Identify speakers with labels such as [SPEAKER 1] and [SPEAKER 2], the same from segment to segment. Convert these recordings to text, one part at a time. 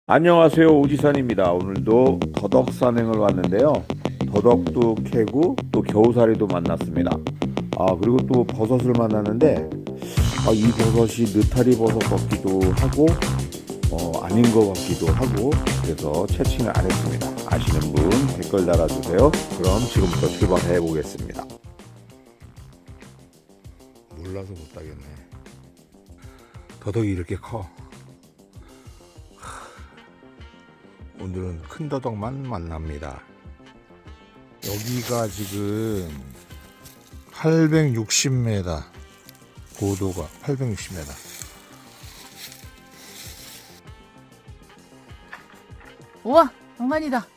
[SPEAKER 1] 안녕하세요, 오지산입니다. 오늘도 더덕 산행을 왔는데요. 더덕도 캐고 또 겨우살이도 만났습니다. 그리고 또 버섯을 만났는데 이 버섯이 느타리 버섯 같기도 하고 아닌 것 같기도 하고, 그래서 채팅을 안 했습니다. 아시는 분 댓글 달아주세요. 그럼 지금부터 출발해 보겠습니다. 몰라서 못 따겠네. 더덕이 이렇게 커. 오늘은 큰 더덕만 만납니다. 여기가 지금 860m, 고도가 860m.
[SPEAKER 2] 우와, 장난이다.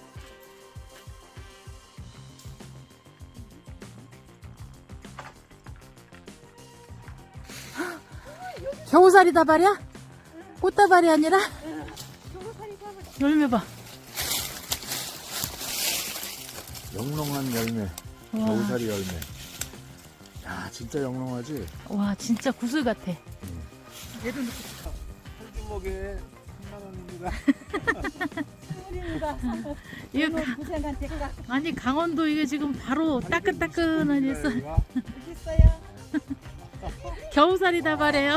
[SPEAKER 2] 겨우살이 다발이야? 꽃다발이 아니라? 열매 봐.
[SPEAKER 1] 영롱한 열매,
[SPEAKER 2] 우와.
[SPEAKER 1] 겨우살이 열매. 야, 진짜 영롱하지?
[SPEAKER 2] 와, 진짜 구슬 같아.
[SPEAKER 1] 얘도 넣고 싶어. 한 주먹에 3만 원입니다.
[SPEAKER 2] 이거 아니, 강원도 이게 지금 바로 따끈따끈하니 있어. 겨우살이 다발이에요.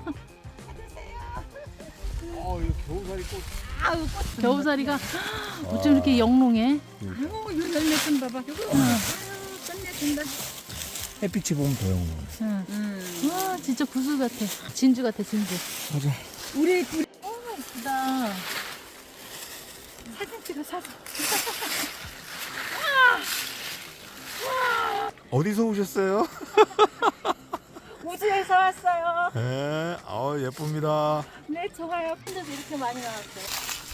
[SPEAKER 1] 이거 겨우살이 꽃.
[SPEAKER 2] 겨우살이가 어쩜 이렇게 영롱해?
[SPEAKER 3] 이거 열매 좀 봐봐. 끝내준다.
[SPEAKER 1] 햇빛이 보면 더 영롱해.
[SPEAKER 2] 응. 와, 진짜 구슬 같아. 진주 같아, 진주.
[SPEAKER 1] 맞아.
[SPEAKER 3] 우리 둘이
[SPEAKER 2] 예쁘다.
[SPEAKER 3] 사진 찍어 사진.
[SPEAKER 1] 어디서 오셨어요?
[SPEAKER 3] 우주에서 왔어요.
[SPEAKER 1] 네, 예쁩니다.
[SPEAKER 3] 네, 좋아요. 혼자서 이렇게 많이 나왔어요.